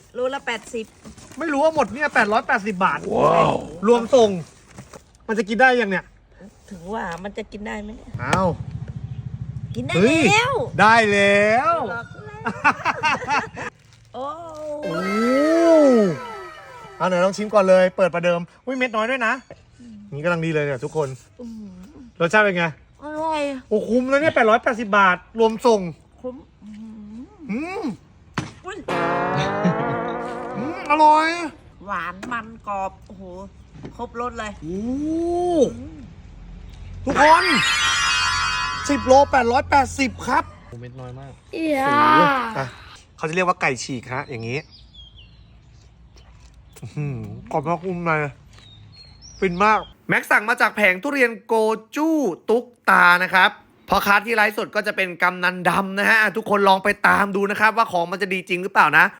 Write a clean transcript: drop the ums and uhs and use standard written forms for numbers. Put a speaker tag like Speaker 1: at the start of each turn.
Speaker 1: โลละ80
Speaker 2: ไม่รู้ว่าหมดเนี่ย880 บาทว้าวรวมส่ง มันจะกินได้ยังเนี่ย
Speaker 1: ถึงว่ามันจะกินได้ไหมเนี่ย
Speaker 2: อ้าว
Speaker 1: กินได้
Speaker 2: เฮ้ย
Speaker 1: แล้ว
Speaker 2: ได้แล้ว
Speaker 1: หลอกแล้วโอ้
Speaker 2: โอ้เอาไหนลองชิมก่อนเลย เปิดประเดิมอุ้ยเม็ดน้อยด้วยนะ นี่กำลังดีเลยเนี่ยทุกคน
Speaker 1: อืม
Speaker 2: รสชาติเป็นไง
Speaker 1: อร่อย
Speaker 2: โอ้คุ้มแล้วเนี่ย880 บาท รวมส่ง
Speaker 1: คุ้ม
Speaker 2: อืม
Speaker 1: อุ้ย
Speaker 2: อร่อย
Speaker 1: หวานมันกรอบโอ้โหครบรสเลย
Speaker 2: โอ้ทุกคน10 โล880 ครับเม็ดน้อยมากอ่ะเขาจะเรียกว่าไก่ฉีกฮะอย่างนี้กรอบนอกนุ่มในฟินมากแม็กสั่งมาจากแผงทุเรียนโกจู้ตุ๊กตานะครับพอค้าที่ไลฟ์สดก็จะเป็นกำนันดำนะฮะทุกคนลองไปตามดูนะครับว่าของมันจะดีจริงหรือเปล่านะ